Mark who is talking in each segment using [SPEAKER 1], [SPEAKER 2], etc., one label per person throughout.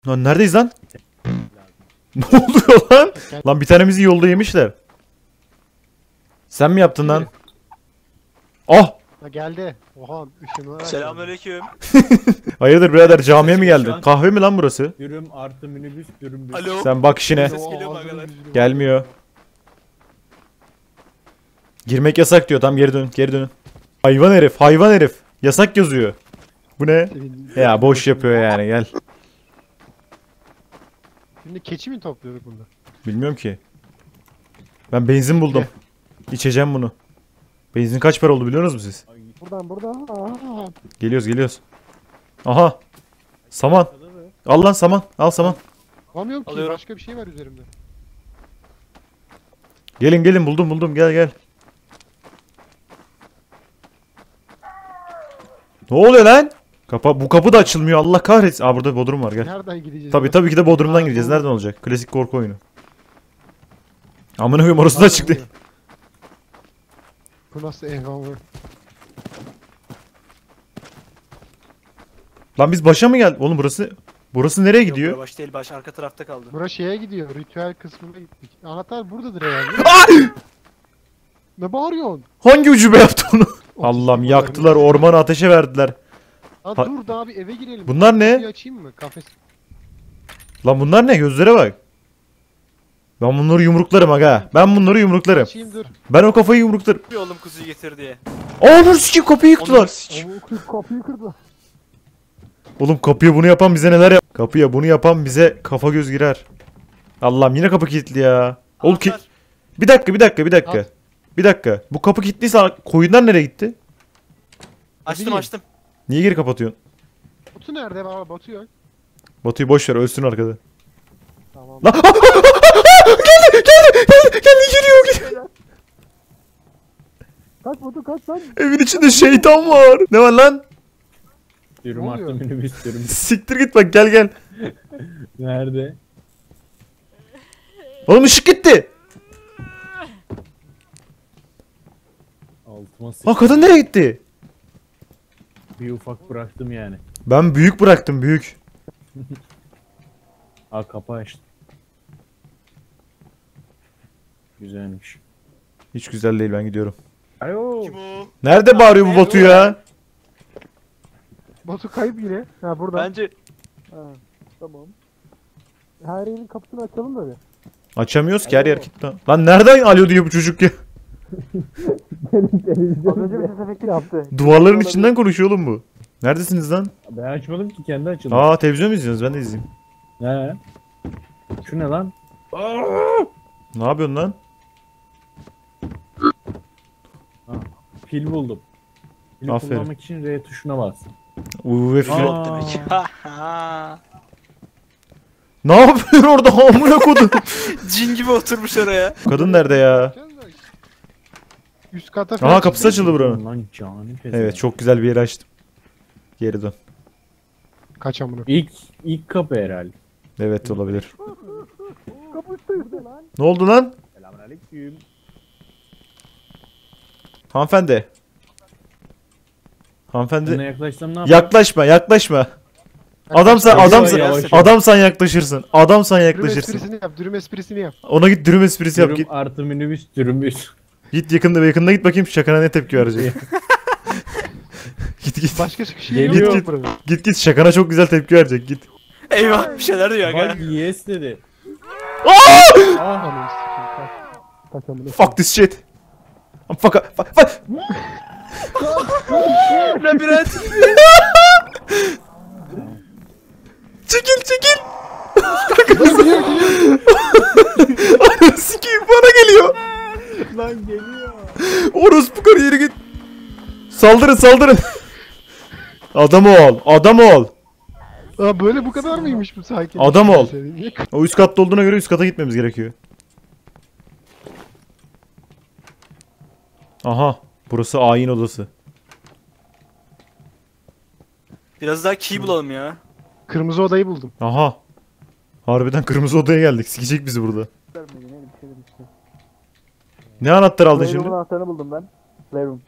[SPEAKER 1] Lan neredeyiz lan? Ne oluyor lan? Lan bir tanemizi yolda yemişler. Sen mi yaptın lan? Ah!
[SPEAKER 2] Ha geldi. Oha ışınlar.
[SPEAKER 3] Selamünaleyküm.
[SPEAKER 1] Hayırdır birader camiye mi
[SPEAKER 3] Sesim
[SPEAKER 1] geldin?
[SPEAKER 3] şu an.
[SPEAKER 1] Kahve mi lan burası?
[SPEAKER 4] Dürüm artı minibüs dürüm.
[SPEAKER 3] Alo.
[SPEAKER 1] Sen bak işine.
[SPEAKER 3] Ses geliyor mu arkadaşlar?
[SPEAKER 1] Gelmiyor. Girmek yasak diyor. Tam geri dön. Geri dönün. Hayvan herif. Hayvan herif. Yasak yazıyor. Bu ne? Ya boş yapıyor yani gel.
[SPEAKER 2] Şimdi keçi mi topluyorduk burada?
[SPEAKER 1] Bilmiyorum ki. Ben benzin buldum. İçeceğim bunu. Benzin kaç para oldu biliyor musunuz siz?
[SPEAKER 2] Buradan. Aa.
[SPEAKER 1] Geliyoruz. Aha. Saman. Al lan saman. Al saman.
[SPEAKER 2] Bulamıyorum ki.
[SPEAKER 3] Alıyorum.
[SPEAKER 2] Başka bir şey var üzerimde.
[SPEAKER 1] Gelin buldum gel. Ne oluyor lan? Bu kapı da açılmıyor Allah kahretsin. Aa burada bodrum var gel.
[SPEAKER 2] Nereden gideceğiz?
[SPEAKER 1] Tabii ki de bodrumdan gireceğiz. Nereden olacak? Klasik korku oyunu. Amına koyayım orası da çıktı.
[SPEAKER 2] Bu nasıl evhamı?
[SPEAKER 1] Lan biz başa mı geldik? Oğlum burası nereye
[SPEAKER 3] Yok,
[SPEAKER 1] gidiyor?
[SPEAKER 3] bura baş değil, baş arka tarafta kaldı.
[SPEAKER 2] Bura şeye gidiyor. Ritüel kısmına gittik. Anahtar buradadır herhalde. Ne bağırıyorsun?
[SPEAKER 1] Hangi ucube yaptı onu? Allah'ım yaktılar ormanı ateşe verdiler.
[SPEAKER 2] Lan
[SPEAKER 1] Ha-
[SPEAKER 2] dur daha bir eve girelim.
[SPEAKER 1] Bunlar ne?
[SPEAKER 2] Kapıyı açayım mı? Kafes.
[SPEAKER 1] Lan bunlar ne? Gözlere bak. Ben bunları yumruklarım aga. Ben bunları yumruklarım.
[SPEAKER 2] Açayım dur.
[SPEAKER 1] Ben o kafayı yumruklarım.
[SPEAKER 3] Bir oğlum kuzuyu getir diye.
[SPEAKER 1] Aa dur sikeyim kapıyı yıktılar.
[SPEAKER 2] Kapıyı kırdı.
[SPEAKER 1] Oğlum kapıya bunu yapan bize neler yap? Kapıya bunu yapan bize kafa göz girer. Allah'ım yine kapı kilitli ya. Oğlum ki...
[SPEAKER 3] Anahtar.
[SPEAKER 1] Bir dakika.
[SPEAKER 2] Al.
[SPEAKER 1] Bir dakika. Bu kapı kilitliyse koyunlar nereye gitti?
[SPEAKER 3] Açtım.
[SPEAKER 1] Niye geri kapatıyorsun?
[SPEAKER 2] Batu nerede? Baba Batu yok.
[SPEAKER 1] Batu'yu boş ver ölsün arkada.
[SPEAKER 2] Tamam.
[SPEAKER 1] Lan geldi geliyor.
[SPEAKER 2] Kaç Batu kaç lan.
[SPEAKER 1] Evin içinde şeytan var. Ne var lan?
[SPEAKER 4] Dürüm
[SPEAKER 2] Ne
[SPEAKER 4] artı
[SPEAKER 2] oluyor?
[SPEAKER 4] minibüs dürüm.
[SPEAKER 1] Siktir git bak gel.
[SPEAKER 4] Nerede?
[SPEAKER 1] Oğlum ışık gitti.
[SPEAKER 4] Altıma sıçtım.
[SPEAKER 1] Lan kadın nereye gitti?
[SPEAKER 4] Bir ufak bıraktım yani.
[SPEAKER 1] Ben büyük bıraktım büyük.
[SPEAKER 4] Aa kapı açtım. Güzelmiş.
[SPEAKER 1] Hiç güzel değil ben gidiyorum.
[SPEAKER 4] Alo.
[SPEAKER 3] Kim o?
[SPEAKER 1] Nerede bağırıyor bu Batu ya?
[SPEAKER 2] Batu kayıp yine. Ha burada.
[SPEAKER 3] Bence
[SPEAKER 2] Ha, tamam. Her yerin kapısını açalım da bir.
[SPEAKER 1] Açamıyoruz ki her yer kilitli. Lan nereden alo diyor bu çocuk ya?
[SPEAKER 2] Az önce bir ses efekti yaptı.
[SPEAKER 1] Duvarların içinden konuşuyor oğlum bu. Neredesiniz lan?
[SPEAKER 4] Ben açmadım ki kendi açıldı.
[SPEAKER 1] Aa televizyon mu izliyorsunuz? Ben de izleyeyim.
[SPEAKER 4] He. Şu ne lan?
[SPEAKER 1] Ne yapıyorsun lan?
[SPEAKER 4] Pil buldum. Pili
[SPEAKER 1] Aferin.
[SPEAKER 4] kullanmak için R tuşuna bas.
[SPEAKER 1] UFC.
[SPEAKER 4] Aa.
[SPEAKER 3] demek.
[SPEAKER 1] Ne yapıyor orada amına kodum?
[SPEAKER 3] Cin gibi oturmuş oraya.
[SPEAKER 1] Kadın nerede ya?
[SPEAKER 2] Üst kata
[SPEAKER 1] Aha
[SPEAKER 2] falan
[SPEAKER 1] kapısı açıldı buranın.
[SPEAKER 4] Lan cani pezevenk.
[SPEAKER 1] Evet çok güzel bir yeri açtım. Geri dön.
[SPEAKER 2] Kaç amına.
[SPEAKER 4] İlk kapı herhalde.
[SPEAKER 1] Evet olabilir.
[SPEAKER 2] Kapı üstte lan.
[SPEAKER 1] Ne oldu lan?
[SPEAKER 4] Selamünaleyküm.
[SPEAKER 1] Hanımefendi.
[SPEAKER 4] Sana
[SPEAKER 1] Hanımefendi.
[SPEAKER 4] yaklaşsam ne yapayım?
[SPEAKER 1] Yaklaşma. Adamsan
[SPEAKER 4] Yavaş.
[SPEAKER 1] adamsan yaklaşırsın. Adamsan
[SPEAKER 2] Dürüm
[SPEAKER 1] yaklaşırsın.
[SPEAKER 2] esprisini yap. Dürüm esprisini yap.
[SPEAKER 1] Ona git dürüm esprisi yap
[SPEAKER 4] Dürüm
[SPEAKER 1] git.
[SPEAKER 4] artı minibüs dürümüs.
[SPEAKER 1] Git yakında git bakayım şakana ne tepki verecek. Git.
[SPEAKER 2] Başka şey
[SPEAKER 4] Geliyor.
[SPEAKER 2] yok burada.
[SPEAKER 1] Git şakana çok güzel tepki verecek git.
[SPEAKER 3] Eyvah bir şeyler diyor
[SPEAKER 4] Bak
[SPEAKER 3] aga.
[SPEAKER 4] yes dedi.
[SPEAKER 2] Ananı sikeyim. Kaç amına.
[SPEAKER 1] Fuck this shit. Fuck.
[SPEAKER 3] Labirent.
[SPEAKER 1] Çekil. Ananı sikeyim bana geliyor.
[SPEAKER 4] Lan geliyor.
[SPEAKER 1] Orospu karı yeri git. Saldırın. Adam ol.
[SPEAKER 2] Aa böyle bu kadar mıymış bu sakin?
[SPEAKER 1] Adam ol.
[SPEAKER 2] Niye
[SPEAKER 1] O üst katta olduğuna göre üst kata gitmemiz gerekiyor. Aha. Burası ayin odası.
[SPEAKER 3] Biraz daha key bulalım ya.
[SPEAKER 2] Kırmızı odayı buldum.
[SPEAKER 1] Aha. Harbiden kırmızı odaya geldik. Sikecek bizi burada. Ne anahtar aldın şimdi?
[SPEAKER 2] anahtarını buldum ben. Playroom.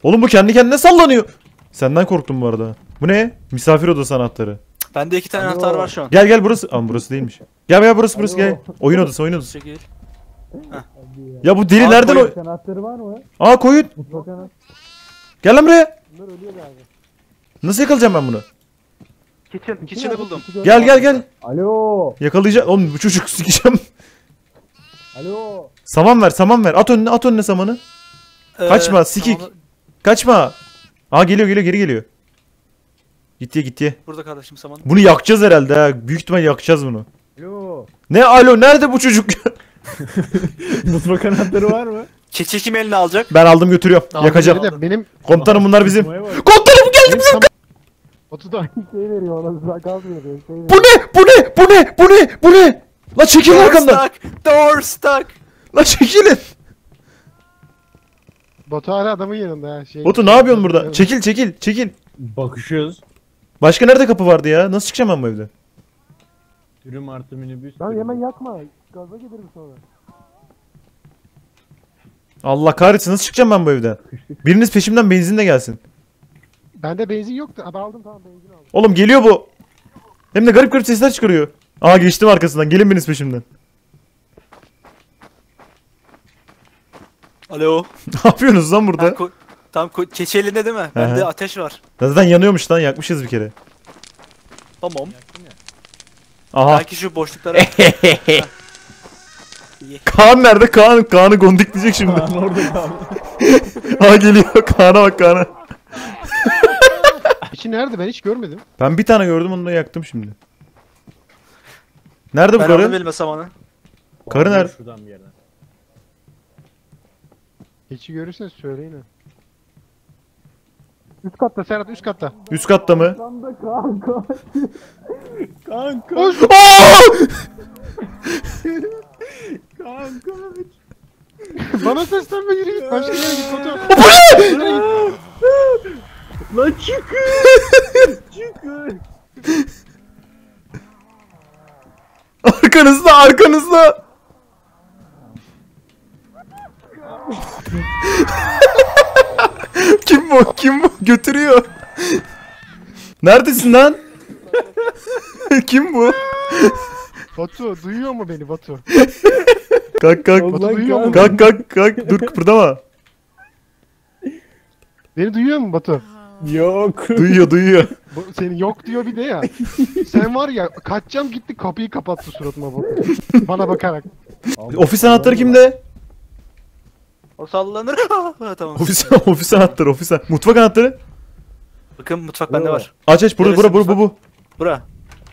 [SPEAKER 1] Oğlum bu kendi kendine sallanıyor. Senden korktum bu arada. Bu ne? Misafir odası anahtarı.
[SPEAKER 3] Bende 2 tane anahtar var şu an.
[SPEAKER 1] Gel gel burası. Ama burası değilmiş. Gel gel burası gel. Oyun odası oyun odası.
[SPEAKER 3] Çekil.
[SPEAKER 1] Ya bu deli
[SPEAKER 3] Aa,
[SPEAKER 1] nereden
[SPEAKER 3] koyun.
[SPEAKER 1] o?
[SPEAKER 4] Anahtarı var mı?
[SPEAKER 1] Aa koyun.
[SPEAKER 4] Mutfak anahtarı.
[SPEAKER 1] Gel lan buraya.
[SPEAKER 2] Bunlar ölüyor galiba.
[SPEAKER 1] Nasıl yakalayacağım ben bunu?
[SPEAKER 3] Kitchen'ı buldum.
[SPEAKER 1] Gel gel gel.
[SPEAKER 4] Alo.
[SPEAKER 1] Yakalayacağım. Oğlum bu çocuk sikeceğim.
[SPEAKER 4] Alo.
[SPEAKER 1] Saman ver saman ver. At önüne samanı. Kaçma, sikik.
[SPEAKER 3] tamam.
[SPEAKER 1] Kaçma. Aa geliyor geri geliyor. Gitti.
[SPEAKER 3] Burada kardeşim saman.
[SPEAKER 1] Bunu yakacağız herhalde ha. Büyük ihtimal yakacağız bunu.
[SPEAKER 4] Alo.
[SPEAKER 1] Ne alo nerede bu çocuk?
[SPEAKER 4] Mutfak anahtarı var mı?
[SPEAKER 3] Keçi kim eline alacak?
[SPEAKER 1] Ben aldım götürüyorum. Yakacağım.
[SPEAKER 2] Biri de benim
[SPEAKER 1] Komutanım bunlar bizim.
[SPEAKER 4] Tutmaya bak.
[SPEAKER 1] Komutanım geldi.
[SPEAKER 2] benim tam... Batu da aynı şeyi veriyor ona. Gaz veriyor.
[SPEAKER 1] Bu ne? La çekilin
[SPEAKER 3] Door
[SPEAKER 1] arkamdan.
[SPEAKER 3] stuck! Door stuck!
[SPEAKER 1] La çekilin.
[SPEAKER 2] Batu hala adamın yanında ha. Şey,
[SPEAKER 1] Batu ne yapıyorsun burada? Çekil.
[SPEAKER 4] Bakışıyoruz.
[SPEAKER 1] Başka nerede kapı vardı ya? Nasıl çıkacağım ben bu evden?
[SPEAKER 4] Dürüm artı minibüs.
[SPEAKER 2] Lan hemen yakma. Gaza gelirim sonra.
[SPEAKER 1] Allah kahretsin nasıl çıkacağım ben bu evden? Biriniz peşimden benzinle gelsin.
[SPEAKER 2] Bende benzin yoktu. Abi aldım tamam benzin aldım.
[SPEAKER 1] Oğlum geliyor bu. Hem de garip sesler çıkarıyor. Aa geçtim arkasından. Gelin biriniz peşimden.
[SPEAKER 3] Alo.
[SPEAKER 1] Ne yapıyorsunuz lan burada?
[SPEAKER 3] Keçi elinde değil mi? Bende ateş var.
[SPEAKER 1] Zaten yanıyormuş lan. Yakmışız bir kere.
[SPEAKER 3] Tamam.
[SPEAKER 1] Aha.
[SPEAKER 3] Belki şu boşluklara...
[SPEAKER 1] Kaan nerede? Kaan'ı gondikleyecek şimdi.
[SPEAKER 4] Kaan orada kaldı.
[SPEAKER 1] Aa geliyor. Kaan'a bak Kaan'a.
[SPEAKER 2] İçi nerede ben hiç görmedim.
[SPEAKER 1] Ben bir tane gördüm onu da yaktım şimdi. Nerede bu
[SPEAKER 3] Ben aldım
[SPEAKER 1] karı?
[SPEAKER 3] elime samanı.
[SPEAKER 1] Karı nerede?
[SPEAKER 4] Şuradan bir yerden.
[SPEAKER 2] Keçi görürseniz söyleyin ha. Üst katta Serhat üst katta.
[SPEAKER 1] Üst katta mı?
[SPEAKER 4] Kanka.
[SPEAKER 2] Koş.
[SPEAKER 4] Kanka.
[SPEAKER 2] Bana seslenme yürü git. Başka yere git Batu.
[SPEAKER 4] Lan çıkın.
[SPEAKER 1] Arkanızda. Kim bu? Götürüyor. Neredesin lan? Kim bu?
[SPEAKER 2] Batu duyuyor mu beni Batu?
[SPEAKER 1] Kalk.
[SPEAKER 2] Batu duyuyor mu?
[SPEAKER 1] Kalk. Dur kıpırdama.
[SPEAKER 2] Beni duyuyor mu Batu?
[SPEAKER 4] Yok.
[SPEAKER 1] Duyuyor.
[SPEAKER 2] Seni yok diyor bir de ya. Sen var ya kaçacağım gitti kapıyı kapattı suratıma Batu. Bana bakarak.
[SPEAKER 1] Ofis anahtarı kimde?
[SPEAKER 3] O sallanır. Ha, tamam.
[SPEAKER 1] Ofis anahtarı. Mutfak anahtarı.
[SPEAKER 3] Bakın mutfak bende var.
[SPEAKER 1] Aç burada
[SPEAKER 3] Neresi mutfak?
[SPEAKER 1] bu.
[SPEAKER 3] Bura.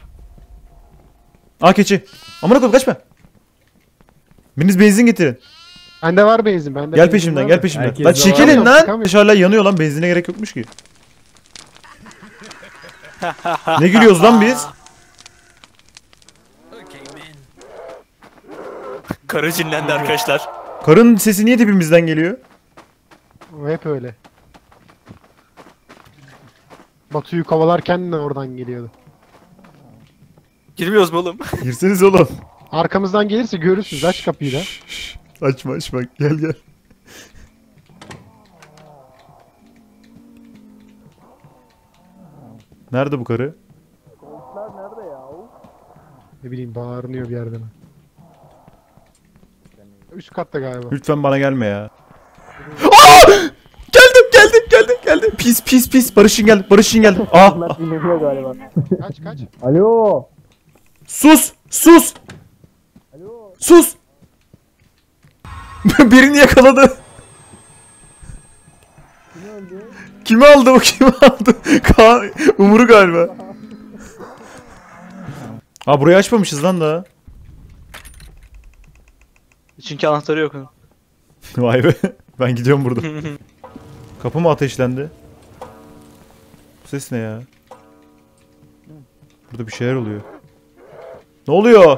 [SPEAKER 1] Aa keçi. Amına koyayım kaçma. Biriniz benzin getirin.
[SPEAKER 2] Bende var benzin. Bende
[SPEAKER 1] Gel
[SPEAKER 2] benzin
[SPEAKER 1] peşimden
[SPEAKER 2] var
[SPEAKER 1] gel
[SPEAKER 2] da.
[SPEAKER 1] peşimden.
[SPEAKER 4] Herkes
[SPEAKER 1] Lan
[SPEAKER 4] de
[SPEAKER 1] çekilin
[SPEAKER 2] var.
[SPEAKER 1] lan.
[SPEAKER 2] Çıkamıyor.
[SPEAKER 1] Hala yanıyor lan benzine gerek yokmuş ki. Ne gülüyoruz lan biz?
[SPEAKER 3] Karı cinlendi arkadaşlar.
[SPEAKER 1] Karın sesi niye dibimizden geliyor?
[SPEAKER 2] O hep öyle. Batu'yu kovalarken de oradan geliyordu.
[SPEAKER 3] Girmiyoruz mu oğlum?
[SPEAKER 1] Girseniz oğlum.
[SPEAKER 2] Arkamızdan gelirse görürsünüz. Aç kapıyı da.
[SPEAKER 1] Açma gel. Nerede bu karı?
[SPEAKER 2] Ne bileyim bağırınıyor bir yerden. Üst katta galiba.
[SPEAKER 1] Lütfen bana gelme ya. Geldim. Pis. Barış'ın geldi.
[SPEAKER 4] Dinlemiyor galiba.
[SPEAKER 2] Kaç.
[SPEAKER 4] Alo.
[SPEAKER 1] Sus. Birini yakaladı. Kimi aldı? Kaan, Umur'u galiba. Aa burayı açmamışız lan daha.
[SPEAKER 3] Çünkü anahtarı yok.
[SPEAKER 1] Vay be. Ben gidiyorum burada. Kapı mı ateşlendi? Bu ses ne ya? Burada bir şeyler oluyor. Ne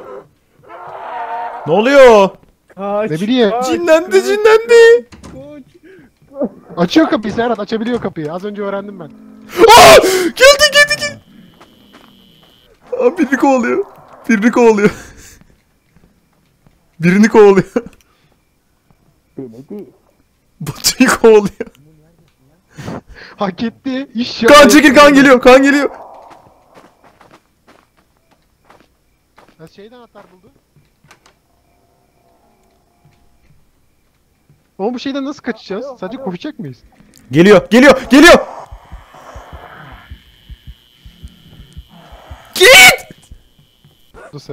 [SPEAKER 1] oluyor?
[SPEAKER 4] Kaç.
[SPEAKER 2] Ne bileyim.
[SPEAKER 1] Cinlendi.
[SPEAKER 2] Açıyor kapıyı Serhat. Açabiliyor kapıyı. Az önce öğrendim ben.
[SPEAKER 1] Aa! Geldi. Aa, birini kovalıyor. Birini kovalıyor.
[SPEAKER 4] Beni değil.
[SPEAKER 1] Batu'yu kovalıyor.
[SPEAKER 2] Hak etti. İş
[SPEAKER 1] Kan çekil, kan geliyor, kan geliyor.
[SPEAKER 2] Ya şeyden anahtar buldu. Oğlum bu şeyden nasıl kaçacağız? Sadece koşacak mıyız?
[SPEAKER 1] Geliyor, geliyor, geliyor. Git!
[SPEAKER 2] Nasıl?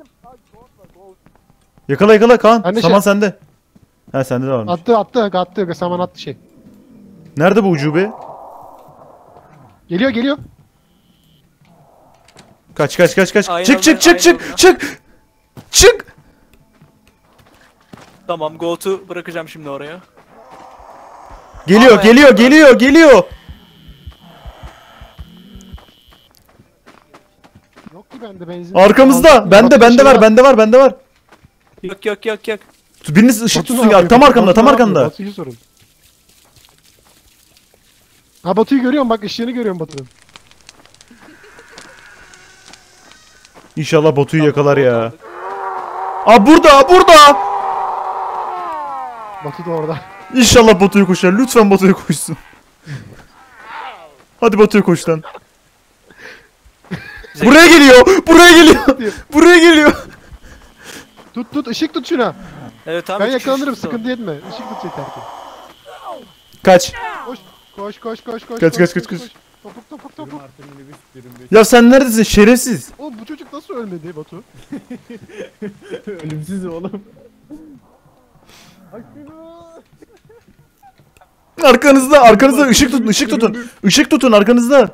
[SPEAKER 1] Yakala yakala Kaan.
[SPEAKER 2] Ben de
[SPEAKER 1] Saman sende. Ha sende de varmış.
[SPEAKER 2] Attı. Saman attı şey.
[SPEAKER 1] Nerede bu ucube?
[SPEAKER 2] Geliyor.
[SPEAKER 1] Kaç.
[SPEAKER 3] Aynen
[SPEAKER 1] Çık çık
[SPEAKER 3] öyle,
[SPEAKER 1] çık
[SPEAKER 3] aynen
[SPEAKER 1] çık
[SPEAKER 3] öyle.
[SPEAKER 1] çık. Çık.
[SPEAKER 3] Tamam Goat'u bırakacağım şimdi oraya.
[SPEAKER 1] Geliyor,
[SPEAKER 3] Ama
[SPEAKER 1] geliyor,
[SPEAKER 3] yakında.
[SPEAKER 1] geliyor.
[SPEAKER 2] Yok ki bende benzin.
[SPEAKER 1] Arkamızda.
[SPEAKER 2] Aldım.
[SPEAKER 1] Bende
[SPEAKER 2] Batu'nun
[SPEAKER 1] var,
[SPEAKER 2] şeyi
[SPEAKER 1] bende var.
[SPEAKER 3] Yok.
[SPEAKER 1] Biriniz ışık
[SPEAKER 2] Batu ne
[SPEAKER 1] tutsun ya.
[SPEAKER 2] yapıyor?
[SPEAKER 1] Tam arkamda,
[SPEAKER 2] Batu
[SPEAKER 1] tam
[SPEAKER 2] ne yapıyor?
[SPEAKER 1] arkamda.
[SPEAKER 2] Batu'yu sorun. Ha Batu'yu görüyorum bak ışığını görüyorum Batu'nun.
[SPEAKER 1] İnşallah Batu'yu yakalar
[SPEAKER 3] Goat
[SPEAKER 1] ya.
[SPEAKER 3] aldık.
[SPEAKER 1] Aa burada.
[SPEAKER 2] Batu da orada.
[SPEAKER 1] İnşallah Batu'yu koşar. Lütfen Batu'yu koşsun. Hadi Batu'yu koş lan. Buraya geliyor.
[SPEAKER 2] Tut ışık tut şuna.
[SPEAKER 3] Evet tamam.
[SPEAKER 2] Ben
[SPEAKER 3] üç kişi
[SPEAKER 2] yakalanırım
[SPEAKER 3] tuttu.
[SPEAKER 2] sıkıntı etme. Işık tut yeter ki.
[SPEAKER 1] Kaç.
[SPEAKER 2] Koş.
[SPEAKER 1] Kaç.
[SPEAKER 2] Topuk.
[SPEAKER 1] Ya sen neredesin şerefsiz?
[SPEAKER 2] Oğlum bu çocuk nasıl ölmedi Batu?
[SPEAKER 4] Ölümsüz oğlum.
[SPEAKER 1] Arkanızda ışık tutun arkanızda.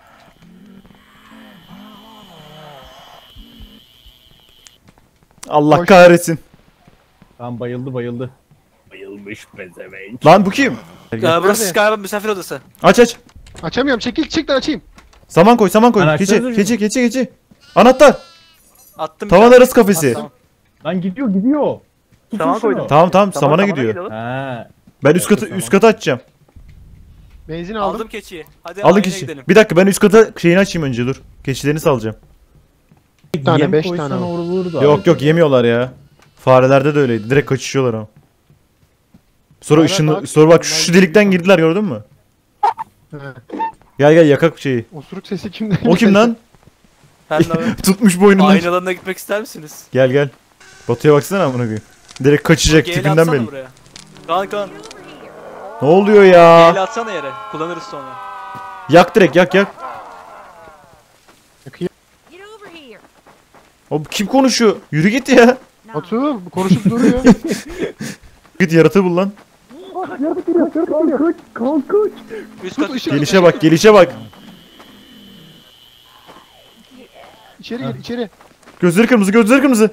[SPEAKER 1] Allah
[SPEAKER 2] Koş.
[SPEAKER 1] kahretsin.
[SPEAKER 4] Tamam bayıldı. Bayılmış pezevenk.
[SPEAKER 1] Lan bu kim?
[SPEAKER 3] Burası
[SPEAKER 2] Nerede?
[SPEAKER 3] galiba misafir odası.
[SPEAKER 1] Aç.
[SPEAKER 2] Açamıyorum çık da açayım.
[SPEAKER 1] Saman koy.
[SPEAKER 4] Araçlarınızı
[SPEAKER 1] Keçi. Anahtar.
[SPEAKER 3] Attım.
[SPEAKER 1] Tavan
[SPEAKER 3] bir
[SPEAKER 1] arası kafesi.
[SPEAKER 3] Tamam.
[SPEAKER 4] Lan gidiyor. Tutun
[SPEAKER 3] Tamam,
[SPEAKER 4] şunu.
[SPEAKER 3] koydum.
[SPEAKER 1] Tamam samana
[SPEAKER 3] Samana
[SPEAKER 1] gidiyor.
[SPEAKER 3] gidelim.
[SPEAKER 4] Ha.
[SPEAKER 1] Ben üst katı açacağım.
[SPEAKER 2] Benzin aldım.
[SPEAKER 3] Aldım keçiyi. Hadi
[SPEAKER 1] Alın
[SPEAKER 3] aynaya
[SPEAKER 1] keçi.
[SPEAKER 3] gidelim.
[SPEAKER 1] Bir dakika ben üst kata şeyini açayım önce dur. Keçilerini salacağım.
[SPEAKER 2] Bir tane
[SPEAKER 4] Yem
[SPEAKER 2] 5
[SPEAKER 4] koysan
[SPEAKER 2] tane al.
[SPEAKER 4] olur da.
[SPEAKER 1] Yok yemiyorlar ya. Farelerde de öyleydi. Direkt kaçışıyorlar ama. Sonra
[SPEAKER 2] Fareler
[SPEAKER 1] ışını
[SPEAKER 2] daha
[SPEAKER 1] sonra bak
[SPEAKER 2] küçük,
[SPEAKER 1] şu
[SPEAKER 2] onlar
[SPEAKER 1] delikten
[SPEAKER 2] büyük.
[SPEAKER 1] girdiler gördün mü?
[SPEAKER 2] He.
[SPEAKER 1] Gel yakak şeyi.
[SPEAKER 2] Osuruk sesi kimden?
[SPEAKER 1] O kim lan?
[SPEAKER 3] Ben de
[SPEAKER 1] Tutmuş boynundan.
[SPEAKER 3] aynalarına gitmek ister misiniz?
[SPEAKER 1] Gel. Batu'ya baksana amına koyayım. Direkt kaçacak
[SPEAKER 3] Gel
[SPEAKER 1] tipinden
[SPEAKER 3] atsana
[SPEAKER 1] belli.
[SPEAKER 3] buraya. Kaan.
[SPEAKER 1] Ne oluyor ya?
[SPEAKER 3] Gel atsana yere. Kullanırız sonra.
[SPEAKER 1] Yak direkt yak.
[SPEAKER 5] Get over here.
[SPEAKER 1] O kim konuşuyor? Yürü git ya.
[SPEAKER 5] No.
[SPEAKER 2] Batu konuşup duruyor.
[SPEAKER 1] Git yaratığı bul lan.
[SPEAKER 3] Üst kat üst kat.
[SPEAKER 1] Gelişe bak.
[SPEAKER 2] İçeri gir içeri.
[SPEAKER 1] Gözleri kırmızı.
[SPEAKER 2] Gözleri kırmızı.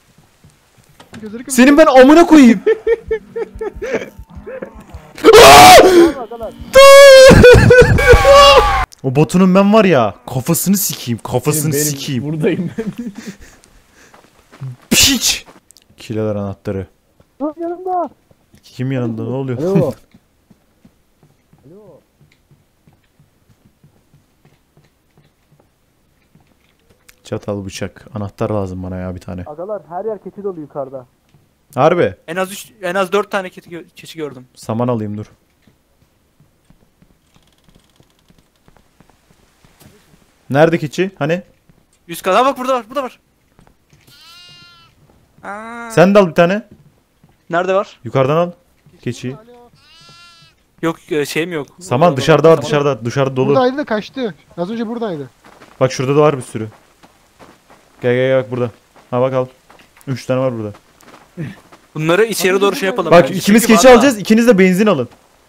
[SPEAKER 1] Senin ben amına koyayım. O Batu'nun ben var ya kafasını sikeyim.
[SPEAKER 4] Buradayım ben.
[SPEAKER 1] Piç. Kileler anahtarı.
[SPEAKER 4] Yanımda.
[SPEAKER 1] Kim yanında ne oluyor?
[SPEAKER 4] Alo.
[SPEAKER 1] Çatal bıçak. Anahtar lazım bana ya bir tane.
[SPEAKER 4] Agalar her yer keçi dolu yukarıda.
[SPEAKER 1] Harbi.
[SPEAKER 3] En az 4 tane keçi gördüm.
[SPEAKER 1] Saman alayım dur. Nerede keçi? Hani?
[SPEAKER 3] Üst kat. Ha bak burada var. Aa.
[SPEAKER 1] Sen de al bir tane.
[SPEAKER 3] Nerede var?
[SPEAKER 1] Yukarıdan al. Keçiyi.
[SPEAKER 3] Yok şeyim yok.
[SPEAKER 1] Saman dışarıda var dışarıda dolu.
[SPEAKER 2] Buradaydı da kaçtı. Az önce buradaydı.
[SPEAKER 1] Bak şurada da var bir sürü. Gel bak burada. Ha bak al. 3 tane var burada.
[SPEAKER 3] Bunları içeri doğru şey yapalım.
[SPEAKER 1] Bak
[SPEAKER 3] bence.
[SPEAKER 1] ikimiz
[SPEAKER 3] Çünkü
[SPEAKER 1] keçi
[SPEAKER 3] var da-
[SPEAKER 1] alacağız. İkiniz de benzin alın.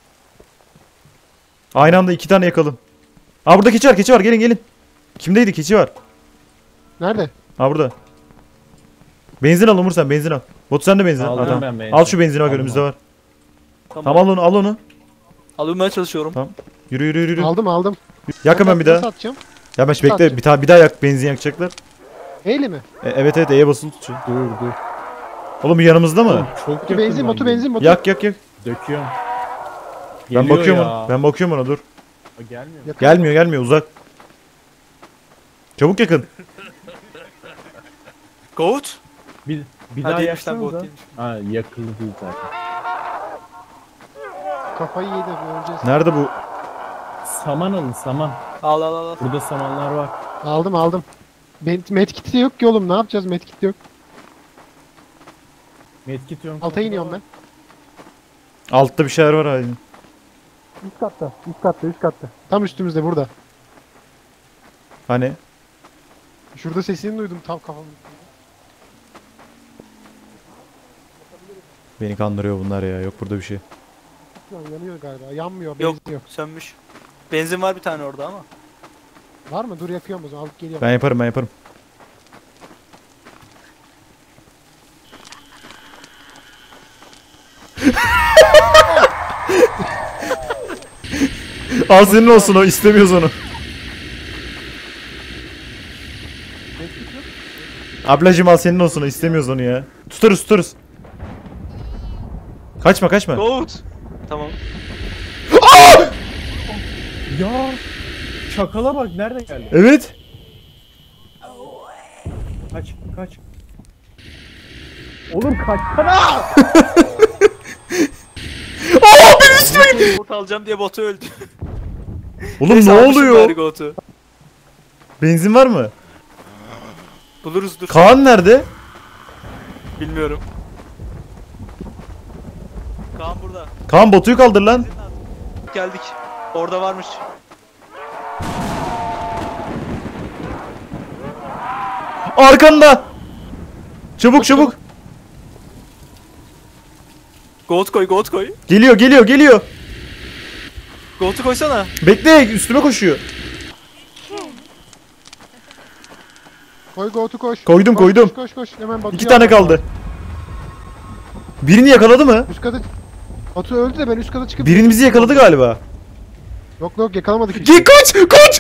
[SPEAKER 1] Aynı anda 2 tane yakalım. Aa burada keçi var gelin. Kimdeydi keçi var?
[SPEAKER 2] Nerede?
[SPEAKER 1] Ha burada. Benzin al Umur sen benzin al. Bot sen de benzin al.
[SPEAKER 4] Aldım
[SPEAKER 1] Ha, tamam.
[SPEAKER 4] ben benzin.
[SPEAKER 1] Al şu benzini bak
[SPEAKER 4] Aldım,
[SPEAKER 1] önümüzde var.
[SPEAKER 3] Tamam.
[SPEAKER 1] Tamam al onu.
[SPEAKER 3] Almaya çalışıyorum.
[SPEAKER 1] Tamam. Yürü.
[SPEAKER 2] Aldım.
[SPEAKER 1] Yak hemen bir
[SPEAKER 2] Nasıl
[SPEAKER 1] daha.
[SPEAKER 2] atacağım?
[SPEAKER 1] Ya ben bekle bir daha yak benzin yakacaklar.
[SPEAKER 2] Eyle mi?
[SPEAKER 1] Evet E'ye basılı tutuyor.
[SPEAKER 4] Dur.
[SPEAKER 1] Oğlum yanımızda mı?
[SPEAKER 4] Çok
[SPEAKER 2] Batu
[SPEAKER 4] yakın
[SPEAKER 2] benzin,
[SPEAKER 4] lan
[SPEAKER 2] Batu
[SPEAKER 4] bu.
[SPEAKER 2] benzin, Batu.
[SPEAKER 1] Yak.
[SPEAKER 4] Döküyorum.
[SPEAKER 1] Ben
[SPEAKER 4] Geliyor
[SPEAKER 1] bakıyorum
[SPEAKER 4] ya.
[SPEAKER 1] ona. Ben bakıyorum ona dur.
[SPEAKER 4] O gelmiyor.
[SPEAKER 2] Yakın.
[SPEAKER 1] Gelmiyor uzak. Çabuk yakın.
[SPEAKER 3] Goat?
[SPEAKER 4] Bir
[SPEAKER 3] Ha
[SPEAKER 4] daha
[SPEAKER 3] değilmiş lan
[SPEAKER 4] yaksanıza.
[SPEAKER 3] goat değilmiş.
[SPEAKER 4] Ha yakıldı değil zaten.
[SPEAKER 2] Kafayı yedi öleceğiz.
[SPEAKER 1] Nerede bu?
[SPEAKER 4] Saman alın saman.
[SPEAKER 3] Al al al.
[SPEAKER 4] Burada samanlar var.
[SPEAKER 2] Aldım. Medkit de yok ki oğlum, ne yapacağız, medkit de yok.
[SPEAKER 4] Medkit yok.
[SPEAKER 2] Alta iniyorum ben.
[SPEAKER 1] Altta bir şeyler var aynı.
[SPEAKER 4] Üst katta. Üst katta. Üst katta.
[SPEAKER 2] Tam üstümüzde burada.
[SPEAKER 1] Hani?
[SPEAKER 2] Şurada sesini duydum tam kafamın.
[SPEAKER 1] Beni kandırıyor bunlar ya. Yok burada bir şey.
[SPEAKER 2] Yanıyor galiba. Yanmıyor.
[SPEAKER 3] Yok.
[SPEAKER 2] Benzin yok.
[SPEAKER 3] Sönmüş. Benzin var bir tane orada ama.
[SPEAKER 2] Var mı? Dur yakıyorum o zaman. Alıp geliyorum.
[SPEAKER 1] Ben yaparım. Al senin olsun o. İstemiyoruz onu. Ablacım al senin olsun o. İstemiyoruz onu ya. Tutarız. Kaçma.
[SPEAKER 3] Goat. Tamam.
[SPEAKER 4] Ya. Çakala bak nerede geldi?
[SPEAKER 1] Evet.
[SPEAKER 4] Kaç. Oğlum kaçsana.
[SPEAKER 3] Goat alacağım diye botu öldü.
[SPEAKER 1] Oğlum
[SPEAKER 3] Neyse,
[SPEAKER 1] ne
[SPEAKER 3] almışım bari
[SPEAKER 1] oluyor?
[SPEAKER 3] Goat'u.
[SPEAKER 1] Benzin var mı?
[SPEAKER 3] Buluruz dur.
[SPEAKER 1] Kaan nerede?
[SPEAKER 3] Bilmiyorum. Kaan burada.
[SPEAKER 1] Kaan botuyu kaldır lan.
[SPEAKER 3] Geldik. Orada varmış.
[SPEAKER 1] Arkanda. Çabuk.
[SPEAKER 3] Goat koy.
[SPEAKER 1] Geliyor.
[SPEAKER 3] Goat'u koysana.
[SPEAKER 1] Bekle üstüme koşuyor.
[SPEAKER 2] Koy Goat'u koş.
[SPEAKER 1] Koydum,
[SPEAKER 2] Koş,
[SPEAKER 1] koydum.
[SPEAKER 2] Koş. Hemen Batu'yu
[SPEAKER 1] 2 tane
[SPEAKER 2] al.
[SPEAKER 1] kaldı. Birini yakaladı mı?
[SPEAKER 2] Üst kata... Batu öldü de ben üst kata çıkıp...
[SPEAKER 1] Birini bizi yakaladı galiba.
[SPEAKER 2] Yok yakalamadık hiç.
[SPEAKER 1] Git kaç!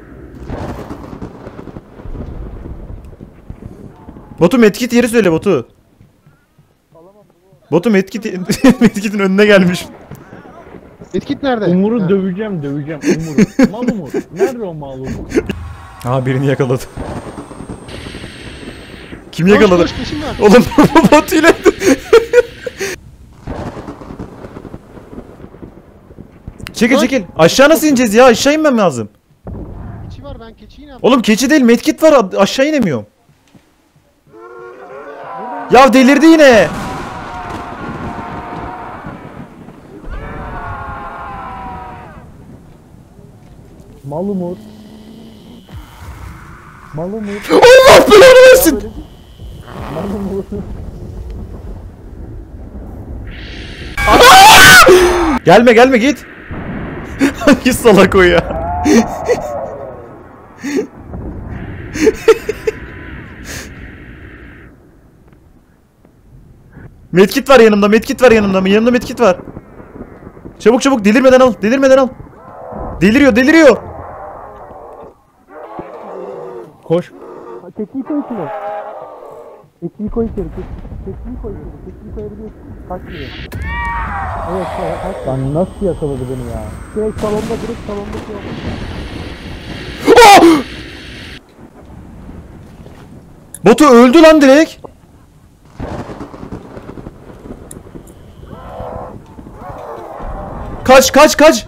[SPEAKER 1] Batu medkit yeri söyle Batu. Batu medkitin önüne gelmiş.
[SPEAKER 2] Medkit nerede?
[SPEAKER 4] Umur'u
[SPEAKER 2] Ha.
[SPEAKER 4] döveceğim Umur'u. Mal Umur. Nerede o mal Umur?
[SPEAKER 1] Aha birini yakaladı. Kim
[SPEAKER 2] Koş,
[SPEAKER 1] yakaladı?
[SPEAKER 2] Koş peşim var.
[SPEAKER 1] Oğlum Batu ile. Çekil. Aşağı nasıl ineceğiz ya? Aşağı inmem lazım.
[SPEAKER 2] Keçi var, ben keçiyi ne yapayım?
[SPEAKER 1] Oğlum keçi değil medkit var, aşağı inemiyorum. Ya delirdi yine.
[SPEAKER 4] Mal Umur.
[SPEAKER 1] Allah belanı versin.
[SPEAKER 4] Mal Umur.
[SPEAKER 1] Gelme git. Hangi salak o ya? Medkit var yanımda. Yanımda medkit var. Çabuk delirmeden al. Deliriyor.
[SPEAKER 4] Koş. Keçiyi koy içine. Keçiyi koy içeri. Keçiyi koy içeri. Keçiyi koyabiliyorsun. Kaçmıyor. Evet kaç. Lan nasıl yakaladı beni ya? Direkt salonda şey oldu.
[SPEAKER 1] Batu öldü lan direkt. Kaç.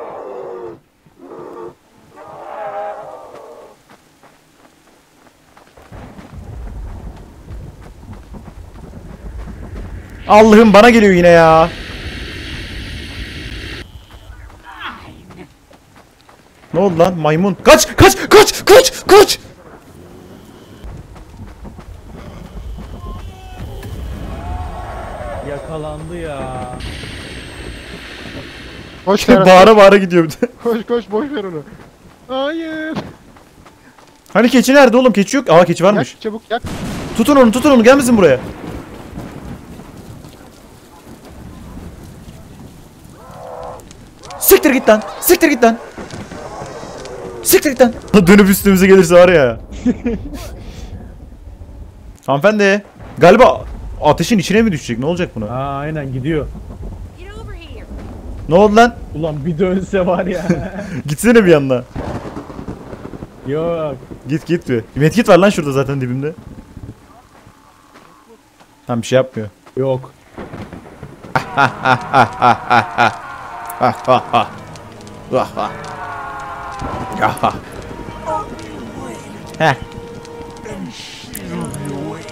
[SPEAKER 1] Allah'ım bana geliyor yine ya. Ne oldu lan maymun? Kaç.
[SPEAKER 4] Yakalandı ya.
[SPEAKER 2] Koş Ferhat.
[SPEAKER 1] Bağıra gidiyor bir de.
[SPEAKER 2] Koş boş ver onu. Hayır.
[SPEAKER 1] Hani keçi nerede oğlum? Keçi yok. Aa keçi varmış.
[SPEAKER 2] Yak çabuk yak.
[SPEAKER 1] Tutun onu gelmesin buraya. Siktir git lan. Dönüp üstümüze gelirse var ya. Hanımefendi. Galiba ateşin içine mi düşecek? Ne olacak buna?
[SPEAKER 4] Aa aynen gidiyor.
[SPEAKER 5] Get over here.
[SPEAKER 1] Ne oldu lan?
[SPEAKER 4] Ulan bir dönse var ya.
[SPEAKER 1] Gitsene bir yanına.
[SPEAKER 4] Yok.
[SPEAKER 1] Git bir. Medkit var lan şurada zaten dibimde. Tam bir şey yapmıyor.
[SPEAKER 4] Yok.
[SPEAKER 1] Heh.